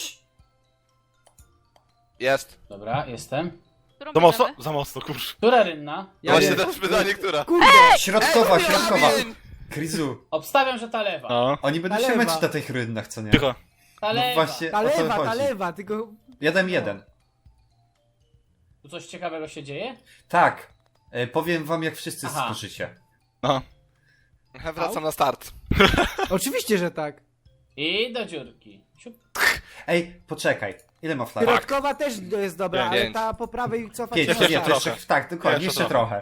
Speaker 1: Jest.
Speaker 4: Dobra, jestem.
Speaker 7: Którą
Speaker 5: Za mocno?
Speaker 7: bierzemy?
Speaker 5: Za mocno, kurz.
Speaker 4: Która rynna?
Speaker 2: Ja
Speaker 1: Właśnie
Speaker 2: wiem.
Speaker 1: teraz pytanie, która?
Speaker 2: Kurde!
Speaker 3: Środkowa, środkowa.
Speaker 1: Kamień!
Speaker 3: Krizu.
Speaker 4: Obstawiam, że ta lewa.
Speaker 5: No.
Speaker 3: Oni będą
Speaker 2: Ta
Speaker 3: się
Speaker 2: lewa.
Speaker 3: męczyć na tych rynnach, co nie?
Speaker 5: Tycho.
Speaker 4: Ta
Speaker 3: No
Speaker 4: lewa.
Speaker 3: właśnie,
Speaker 2: Ta
Speaker 3: o to
Speaker 2: lewa, ta
Speaker 3: chodzi.
Speaker 2: lewa, tylko...
Speaker 3: Ja dałem jeden.
Speaker 4: Tu coś ciekawego się dzieje?
Speaker 3: Tak. E, powiem wam, jak wszyscy
Speaker 4: Aha.
Speaker 3: skoczycie.
Speaker 5: No.
Speaker 1: Wracam na start.
Speaker 2: Oczywiście, że tak.
Speaker 4: I do dziurki. Siup.
Speaker 3: Ej, poczekaj. Ile ma flarek?
Speaker 2: Środkowa też jest dobra,
Speaker 5: Pięć.
Speaker 2: ale ta po prawej cofa
Speaker 3: Pięć,
Speaker 2: się
Speaker 3: no
Speaker 2: na
Speaker 3: nie, to
Speaker 2: start.
Speaker 3: jeszcze, tak, dokładnie,
Speaker 5: Jeszcze
Speaker 3: jeszcze trochę.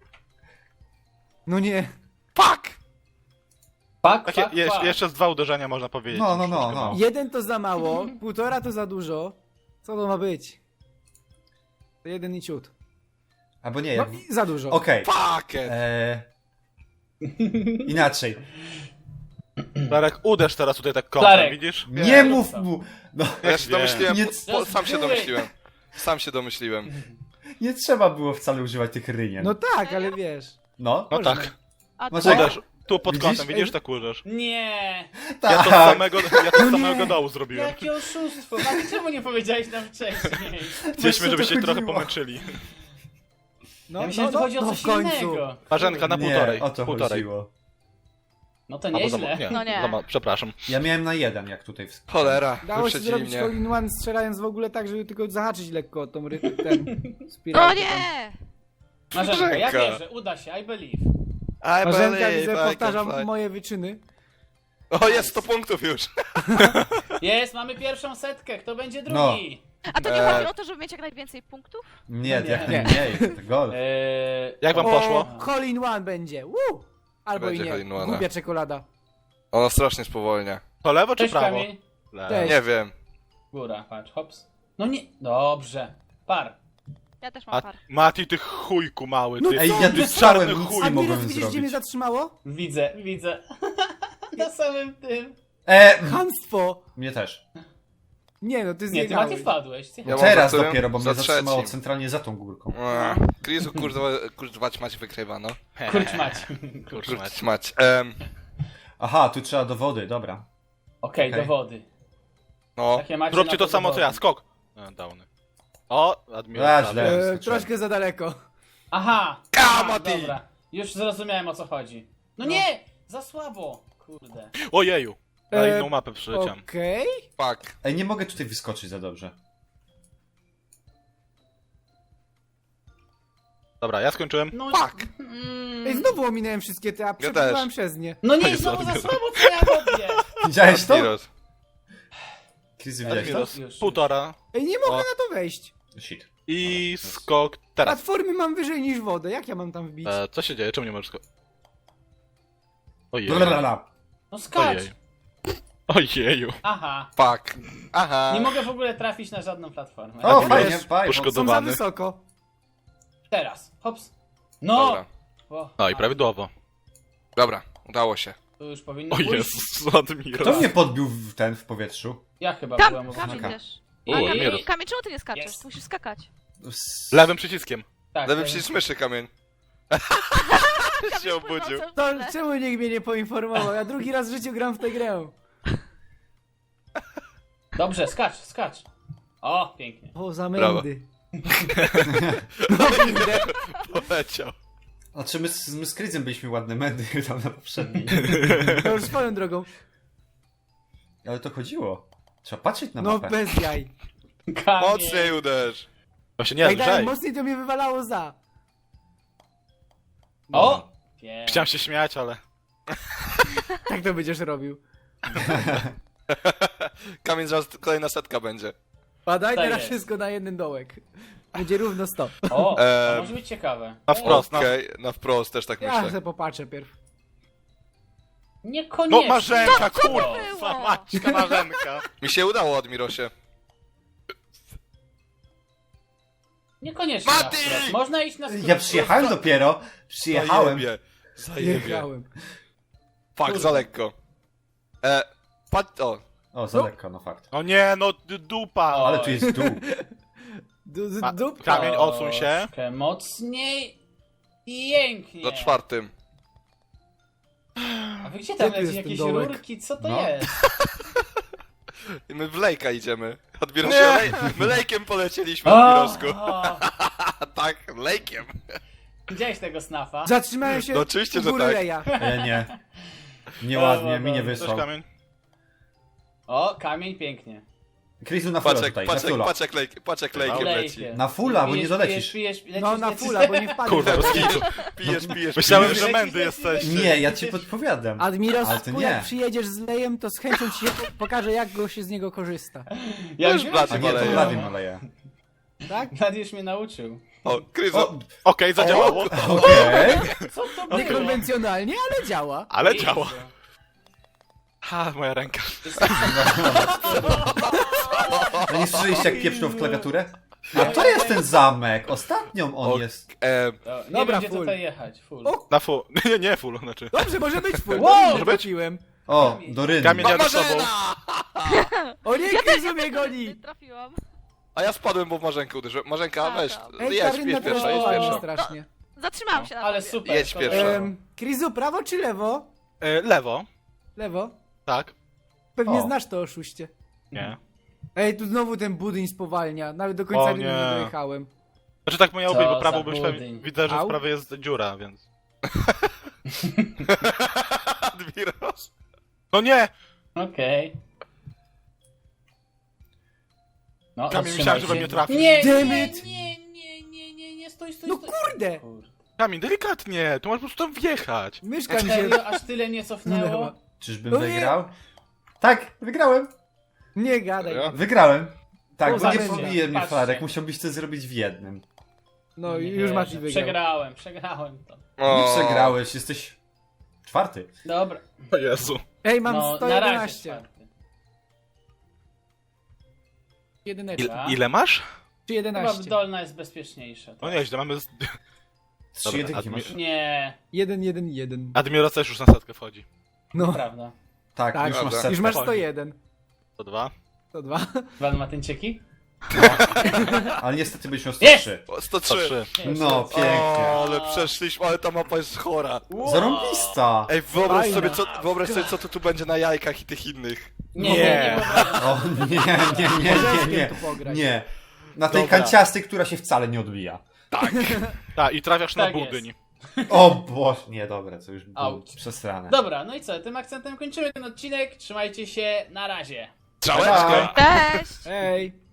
Speaker 2: No nie.
Speaker 1: Fuck!
Speaker 4: Pak,
Speaker 5: Takie,
Speaker 4: pak,
Speaker 5: je,
Speaker 4: pak.
Speaker 5: jeszcze z dwa uderzenia można powiedzieć.
Speaker 3: No, no, no,
Speaker 5: Troszkę
Speaker 3: no.
Speaker 5: mało.
Speaker 2: Jeden to za mało, półtora to za dużo. Co to ma być? To jeden i ciut.
Speaker 3: Albo nie,
Speaker 2: No
Speaker 3: jak...
Speaker 2: i za dużo.
Speaker 3: Okej.
Speaker 1: Fuck it!
Speaker 3: Eee... Inaczej.
Speaker 5: Darek, uderz teraz tutaj tak kątem,
Speaker 4: Darek.
Speaker 5: widzisz?
Speaker 3: Nie mów mu! No,
Speaker 1: Ja się
Speaker 5: wiem.
Speaker 1: domyśliłem,
Speaker 3: Nie-
Speaker 1: po, po, sam się domyśliłem. Sam się domyśliłem.
Speaker 3: nie trzeba było wcale używać tych rynien.
Speaker 2: No tak, ale wiesz.
Speaker 3: No,
Speaker 5: No
Speaker 2: Można.
Speaker 5: tak.
Speaker 7: A
Speaker 3: Może-
Speaker 7: tu?
Speaker 5: Uderz. Tu pod
Speaker 3: Widzisz?
Speaker 5: kątem, widzisz? Tak uderz.
Speaker 4: Nie!
Speaker 3: tak.
Speaker 5: Ja to z samego, ja to z
Speaker 2: No
Speaker 5: samego
Speaker 2: nie.
Speaker 5: dołu zrobiłem.
Speaker 4: Jakie oszustwo! A czemu nie powiedziałeś nam wcześniej?
Speaker 5: Chcieliśmy,
Speaker 3: to
Speaker 5: żebyście trochę
Speaker 3: chodziło.
Speaker 5: pomęczyli.
Speaker 2: No,
Speaker 4: Ja myślałem, że tu chodzi o
Speaker 2: no
Speaker 4: coś
Speaker 2: w końcu.
Speaker 4: innego.
Speaker 5: Marzenka na
Speaker 3: Nie,
Speaker 5: półtorej.
Speaker 3: o to
Speaker 5: półtorej.
Speaker 3: chodziło.
Speaker 4: No to
Speaker 5: Albo
Speaker 4: nieźle.
Speaker 5: za, nie,
Speaker 7: No nie.
Speaker 5: za ma- przepraszam.
Speaker 3: Ja miałem na jeden, jak tutaj... W...
Speaker 1: Cholera,
Speaker 2: Dało się
Speaker 1: wyprzedzili
Speaker 2: zrobić
Speaker 1: mnie.
Speaker 2: hole in one strzelając w ogóle tak, żeby tylko zahaczyć lekko o tą ry- ten
Speaker 7: O
Speaker 2: spiralkę.
Speaker 7: nie!
Speaker 4: Marzenka, ja
Speaker 1: Marzenka.
Speaker 4: wierzę, uda się, I believe.
Speaker 1: I
Speaker 2: Marzenka,
Speaker 1: believe
Speaker 2: widzę,
Speaker 1: I can
Speaker 2: powtarzam
Speaker 1: fly.
Speaker 2: moje wyczyny.
Speaker 1: O, jest sto punktów już.
Speaker 4: Jest, mamy pierwszą setkę, kto będzie
Speaker 3: No.
Speaker 4: drugi?
Speaker 7: A to nie
Speaker 1: Eee.
Speaker 7: chodzi o to, żeby mieć jak najwięcej punktów?
Speaker 3: Nie,
Speaker 4: Nie.
Speaker 3: jak najmniej, to golf.
Speaker 4: Eee,
Speaker 5: Jak wam
Speaker 4: o,
Speaker 5: poszło?
Speaker 2: Hole in one będzie. Woo! Albo
Speaker 1: Będzie
Speaker 2: i
Speaker 1: hole
Speaker 2: nie.
Speaker 1: in one.
Speaker 2: Głupia czekolada.
Speaker 1: Ono strasznie spowolnia.
Speaker 5: To lewo czy
Speaker 4: Cześć
Speaker 5: prawo?
Speaker 4: Kamień.
Speaker 5: Lewo.
Speaker 2: Cześć.
Speaker 1: Nie wiem.
Speaker 4: Góra, patrz, hops. No nie, dobrze. Par.
Speaker 7: Ja też mam
Speaker 5: A
Speaker 7: par.
Speaker 5: Mati, ty chujku mały,
Speaker 2: No
Speaker 5: ty.
Speaker 3: Ej, ja tu
Speaker 5: ty
Speaker 3: strzałem,
Speaker 5: czarny
Speaker 3: nic
Speaker 5: chuj.
Speaker 3: nie
Speaker 2: Admiros,
Speaker 3: mogłem
Speaker 2: widzisz, gdzie mnie
Speaker 3: zrobić.
Speaker 2: zatrzymało?
Speaker 4: Widzę, widzę. Na samym tym.
Speaker 3: E,
Speaker 2: Chamstwo!
Speaker 3: mnie też.
Speaker 2: Nie no, ty
Speaker 4: Nie, ty Mati
Speaker 2: zjechałeś.
Speaker 4: wpadłeś. Ty...
Speaker 1: Ja mam
Speaker 3: Teraz
Speaker 1: za którym?
Speaker 3: dopiero, bo mnie
Speaker 1: Za
Speaker 3: zatrzymało
Speaker 1: trzecim.
Speaker 3: centralnie za tą górką.
Speaker 1: Eee, Krizu, kurwa, kurwać mać wykrywa, no.
Speaker 4: Kurcz mać.
Speaker 5: Kurczę,
Speaker 1: Kurwać
Speaker 5: Mati.
Speaker 1: mać. Em,
Speaker 3: Aha, tu trzeba do wody, dobra.
Speaker 4: Okej,
Speaker 3: Okej.
Speaker 4: do wody.
Speaker 1: no.
Speaker 4: Takie macie
Speaker 5: Zróbcie
Speaker 4: na
Speaker 5: to samo co ja,
Speaker 4: wody.
Speaker 5: skok. E, downy. O, Admiral.
Speaker 3: A,
Speaker 5: prawie.
Speaker 3: źle.
Speaker 2: E,
Speaker 3: Skoczyłem.
Speaker 2: troszkę za daleko.
Speaker 4: Aha!
Speaker 1: Ka,
Speaker 4: Aha,
Speaker 1: Mati!
Speaker 4: dobra. Już zrozumiałem o co chodzi. No, nie! Za słabo! Kurde.
Speaker 5: Ojeju. Na
Speaker 2: E,
Speaker 5: inną mapę przyleciałem.
Speaker 2: Okej.
Speaker 1: Fuck.
Speaker 3: Ej, nie mogę tutaj wyskoczyć za dobrze.
Speaker 5: Dobra, ja skończyłem.
Speaker 4: No
Speaker 1: Fuck.
Speaker 4: Mm.
Speaker 2: Ej, znowu ominąłem wszystkie te, a przepływałem przez nie.
Speaker 4: No nie,
Speaker 5: Jezu,
Speaker 4: znowu za
Speaker 5: Admiros.
Speaker 4: słabo co ja robię!
Speaker 3: Widziałeś to?
Speaker 1: Admiros.
Speaker 3: Krizy, widziałeś to?
Speaker 5: Admiros,
Speaker 4: Już,
Speaker 5: półtora.
Speaker 2: Ej, nie mogę
Speaker 5: O.
Speaker 2: na to wejść.
Speaker 3: Shit.
Speaker 5: I skok teraz.
Speaker 2: Platformy mam wyżej niż wodę, jak ja mam tam wbić?
Speaker 5: E, co się dzieje? Czemu nie możesz skok? Ojej.
Speaker 3: Blablabla.
Speaker 4: No skacz!
Speaker 5: Ojej. Ojeju.
Speaker 4: Aha.
Speaker 1: Fuck. Aha.
Speaker 4: Nie mogę w ogóle trafić na żadną platformę.
Speaker 3: O,
Speaker 5: Admiros,
Speaker 3: fajnie, fajnie.
Speaker 2: Są za
Speaker 5: Poszkodowany.
Speaker 2: wysoko.
Speaker 4: Teraz. Hops. No!
Speaker 1: Dobra.
Speaker 4: O,
Speaker 5: No i prawidłowo.
Speaker 1: Dobra, udało się.
Speaker 4: Tu już powinno
Speaker 5: O
Speaker 4: pójść.
Speaker 5: Jezus, Admiros.
Speaker 3: Kto mnie podbił w ten w powietrzu?
Speaker 4: Ja chyba
Speaker 7: Tam,
Speaker 4: byłem
Speaker 7: Kamień
Speaker 3: Oznaka.
Speaker 7: też.
Speaker 4: I-
Speaker 7: A
Speaker 5: U,
Speaker 7: Kamień,
Speaker 5: Admiros.
Speaker 7: Kamień, czemu ty nie skaczesz?
Speaker 4: Jest.
Speaker 7: Ty musisz skakać.
Speaker 3: S-
Speaker 5: Lewym przyciskiem.
Speaker 4: Tak,
Speaker 1: Lewy
Speaker 4: tak.
Speaker 1: przycisk myszy, kamień. się obudził.
Speaker 2: To czemu nikt mnie nie poinformował? Ja drugi raz w życiu gram w tę grę.
Speaker 4: Dobrze, skacz, skacz. O, pięknie.
Speaker 2: O, za
Speaker 1: Brawo.
Speaker 2: mędy.
Speaker 1: Poleciał.
Speaker 3: Znaczy my z, my z Krizem byliśmy ładne medy tam na poprzedniej.
Speaker 2: To już swoją drogą.
Speaker 3: Ale to chodziło. Trzeba patrzeć na
Speaker 2: No
Speaker 3: mapę.
Speaker 2: bez jaj.
Speaker 4: Kamień.
Speaker 1: Mocniej uderz.
Speaker 5: Właśnie nie,
Speaker 2: Jak dalej
Speaker 5: lżej.
Speaker 2: mocniej to mnie wywalało za.
Speaker 4: O! Pięknie.
Speaker 5: Chciałem się śmiać, ale...
Speaker 2: Tak to będziesz robił.
Speaker 1: Kamień zaraz kolejna setka będzie.
Speaker 2: Padaj
Speaker 4: To
Speaker 2: teraz
Speaker 4: jest.
Speaker 2: wszystko na jeden dołek. Będzie równo sto.
Speaker 4: O, to
Speaker 1: Eee,
Speaker 4: może być ciekawe.
Speaker 5: Na wprost, na...
Speaker 1: Okej, na wprost też tak
Speaker 2: Ja
Speaker 1: myślę.
Speaker 2: sobie popatrzę pierw.
Speaker 4: Niekoniecznie.
Speaker 5: No Marzenka,
Speaker 7: Co to
Speaker 5: kurwa,
Speaker 7: było?
Speaker 5: maćka Marzenka.
Speaker 1: Mi się udało, Admirosie.
Speaker 4: Niekoniecznie.
Speaker 1: Mati!
Speaker 4: na wprost. Można iść na skrót.
Speaker 3: Ja przyjechałem dopiero. Przyjechałem.
Speaker 1: Zajebie. Zajebie.
Speaker 2: Jechałem.
Speaker 1: Fuck, za lekko. E, pat... O.
Speaker 3: O, za lekko, no fakt.
Speaker 5: O nie, no d- dupa.
Speaker 4: O.
Speaker 3: Ale tu jest dół.
Speaker 2: Du, du,
Speaker 5: Ma-
Speaker 2: dup.
Speaker 5: Kamień, odsuń się.
Speaker 4: Troszkę mocniej. Pięknie.
Speaker 1: Za czwartym.
Speaker 4: A wy gdzie tam
Speaker 2: Gdzie tu
Speaker 4: leci
Speaker 2: jest ten
Speaker 4: jakieś
Speaker 2: dołek?
Speaker 4: rurki? Co to
Speaker 3: No.
Speaker 4: jest?
Speaker 1: I my w lejka idziemy. Admirosie,
Speaker 5: Nie.
Speaker 1: lej... my lejkiem polecieliśmy,
Speaker 4: O,
Speaker 1: Admirosku.
Speaker 4: o.
Speaker 1: A tak, lejkiem.
Speaker 4: Widziałeś tego snafa?
Speaker 2: Zatrzymałem się
Speaker 1: No oczywiście,
Speaker 2: u
Speaker 1: że
Speaker 2: góry
Speaker 1: tak.
Speaker 2: leja.
Speaker 3: E, nie. Nieładnie, mi nie
Speaker 5: Cześć
Speaker 3: wysłał.
Speaker 5: kamień.
Speaker 4: O, kamień pięknie.
Speaker 3: Krizu na fulla
Speaker 1: Patrz jak,
Speaker 3: tutaj,
Speaker 1: patrz
Speaker 3: na
Speaker 1: jak,
Speaker 3: fulla.
Speaker 1: patrz jak, lejk, patrz jak lejkiem leci.
Speaker 4: Lejkiem.
Speaker 3: Na fulla, bo nie
Speaker 4: Pijesz,
Speaker 3: dolecisz.
Speaker 4: Pijesz, pijesz,
Speaker 2: No
Speaker 4: lecisz,
Speaker 2: na
Speaker 4: lecisz.
Speaker 2: fulla, bo nie wpadłem.
Speaker 5: Kurwa, bez kitu.
Speaker 1: Pijesz, pijesz,
Speaker 5: Myślałem,
Speaker 1: pijesz.
Speaker 5: że mędy jesteście.
Speaker 3: Nie, ja ci podpowiadam.
Speaker 2: Admiros,
Speaker 3: Ale to
Speaker 2: jak
Speaker 3: nie.
Speaker 2: przyjedziesz z lejem, to z chęcią ci się po- pokażę, jak go się z niego korzysta.
Speaker 4: Ja
Speaker 1: No
Speaker 4: już
Speaker 1: już
Speaker 4: wiem,
Speaker 3: A
Speaker 1: blady
Speaker 3: nie, to
Speaker 1: maleje.
Speaker 3: Blady maleje.
Speaker 2: Tak?
Speaker 4: Gladiusz mnie nauczył.
Speaker 1: O, Krizu.
Speaker 3: O,
Speaker 5: Okej, zadziałało.
Speaker 3: okej.
Speaker 4: Co to było?
Speaker 2: Niekonwencjonalnie, ale działa.
Speaker 5: Ale
Speaker 4: Jezu.
Speaker 5: działa. Ha, moja ręka.
Speaker 3: No nie słyszeliście jak pieprznął w klawiaturę? A to jest ten zamek, ostatnią on
Speaker 1: O,
Speaker 3: jest.
Speaker 1: E,
Speaker 4: O, nie
Speaker 2: Dobra,
Speaker 4: wiem, gdzie
Speaker 2: full.
Speaker 4: tutaj jechać. Full.
Speaker 2: O,
Speaker 5: Na full. Nie, nie full, znaczy.
Speaker 2: Dobrze, może być full.
Speaker 4: Wow!
Speaker 2: Dobrze,
Speaker 5: Może być?
Speaker 2: trafiłem.
Speaker 3: O, do ryny.
Speaker 5: Kamień jadę z tobą.
Speaker 1: Marzena!
Speaker 2: O nie,
Speaker 7: Ja
Speaker 2: Krizu
Speaker 7: też
Speaker 2: mnie
Speaker 7: nie
Speaker 2: goni.
Speaker 7: trafiłam.
Speaker 1: A ja spadłem, bo w Marzenkę uderzyłem. Marzenka,
Speaker 7: A,
Speaker 1: weź,
Speaker 7: tam.
Speaker 2: Ej,
Speaker 1: jedź,
Speaker 2: Karina
Speaker 1: jedź pierwsza, jedź
Speaker 2: teraz
Speaker 1: pierwsza.
Speaker 2: strasznie.
Speaker 7: Zatrzymałam się na
Speaker 4: Ale
Speaker 7: tobie.
Speaker 4: super.
Speaker 1: Jedź
Speaker 4: to
Speaker 1: pierwsza.
Speaker 4: było.
Speaker 2: Em, Krizu, prawo czy lewo?
Speaker 5: E, lewo.
Speaker 2: Lewo.
Speaker 5: Tak.
Speaker 2: Pewnie
Speaker 3: O.
Speaker 2: znasz to oszuście.
Speaker 5: Nie.
Speaker 2: Ej, tu znowu ten budyń spowalnia. Nawet do końca
Speaker 5: O
Speaker 2: rynu nie
Speaker 5: nie.
Speaker 2: dojechałem.
Speaker 5: Znaczy tak miało
Speaker 4: Co
Speaker 5: być, bo
Speaker 4: za
Speaker 5: prawo byś
Speaker 4: budyń.
Speaker 5: widzę, że
Speaker 2: Au.
Speaker 5: w prawej jest dziura, więc...
Speaker 1: Admiros.
Speaker 5: No nie!
Speaker 4: Okej. No,
Speaker 5: Kamil,
Speaker 4: otrzymaj
Speaker 5: myślałem, że we
Speaker 4: się.
Speaker 5: mnie trafisz.
Speaker 4: Nie,
Speaker 2: Damn
Speaker 4: nie,
Speaker 2: it.
Speaker 4: nie, nie, nie, nie, nie, stój, stój,
Speaker 2: No
Speaker 4: stój.
Speaker 2: kurde!
Speaker 4: Kurde.
Speaker 5: Kamil, delikatnie, tu masz po prostu tam wjechać.
Speaker 2: Myszka mi się...
Speaker 4: Serio, aż tyle nie cofnęło?
Speaker 2: Minęła.
Speaker 3: Czyżbym
Speaker 2: No nie.
Speaker 3: wygrał? Tak, wygrałem.
Speaker 2: Nie gadaj.
Speaker 1: Ja?
Speaker 3: Wygrałem. Tak,
Speaker 2: O,
Speaker 3: bo nie
Speaker 2: zabędzie.
Speaker 3: pobije mnie
Speaker 4: Patrzcie.
Speaker 3: Flarek, musiałbyś to zrobić w jednym.
Speaker 2: No i
Speaker 4: Nie
Speaker 2: już
Speaker 4: wierzę.
Speaker 2: Mati wygrał.
Speaker 4: Przegrałem, przegrałem to.
Speaker 3: Nie
Speaker 1: O.
Speaker 3: przegrałeś, jesteś czwarty.
Speaker 4: Dobra.
Speaker 5: O Jezu.
Speaker 2: Ej, mam
Speaker 4: No,
Speaker 2: sto
Speaker 4: na razie
Speaker 2: jedenaście.
Speaker 4: czwarty.
Speaker 2: Jedyneczka.
Speaker 5: Il, ile masz?
Speaker 2: Czy
Speaker 4: Chyba
Speaker 2: jedenaście?
Speaker 4: dolna jest bezpieczniejsza.
Speaker 5: No nieźle, mamy... z-
Speaker 3: Trzy
Speaker 5: Dobra,
Speaker 3: jedynki
Speaker 5: admi-
Speaker 3: masz.
Speaker 4: Nie,
Speaker 2: Jeden, jeden, jeden.
Speaker 5: Admiros też już na setkę wchodzi.
Speaker 2: No,
Speaker 4: prawda.
Speaker 3: Tak,
Speaker 2: tak,
Speaker 3: już masz
Speaker 1: Dobra.
Speaker 3: setkę.
Speaker 2: już masz sto jeden.
Speaker 5: To dwa.
Speaker 2: To dwa.
Speaker 4: Dwa matyncieki?
Speaker 3: Ale niestety byś miał sto
Speaker 4: Jest!
Speaker 3: trzy.
Speaker 1: O, sto
Speaker 5: To
Speaker 1: trzy.
Speaker 5: trzy.
Speaker 3: No, pięknie.
Speaker 1: O, ale przeszliśmy, ale ta mapa jest chora.
Speaker 3: Zarąbista!
Speaker 1: Ej, wyobraź
Speaker 2: Fajna.
Speaker 1: sobie, co, wyobraź sobie, co to tu będzie na jajkach i tych innych.
Speaker 4: Nie,
Speaker 2: Nie.
Speaker 4: nie, nie wyobrażam.
Speaker 3: O nie, nie, nie, nie,
Speaker 2: Orzeszkiem
Speaker 3: nie.
Speaker 2: tu pograć.
Speaker 3: Nie. Na tej
Speaker 5: Dobra.
Speaker 3: kanciastej, która się wcale nie odbija.
Speaker 5: Tak, i trafiasz
Speaker 4: Tak
Speaker 5: na
Speaker 4: jest.
Speaker 5: budyń.
Speaker 3: O Boże, nie, dobra, co już było
Speaker 4: Auć.
Speaker 3: przesrane.
Speaker 4: Dobra, no i co, tym akcentem kończymy ten odcinek. Trzymajcie się, na razie.
Speaker 1: Całeczkę!
Speaker 3: Pa.
Speaker 7: Cześć!
Speaker 2: Ej!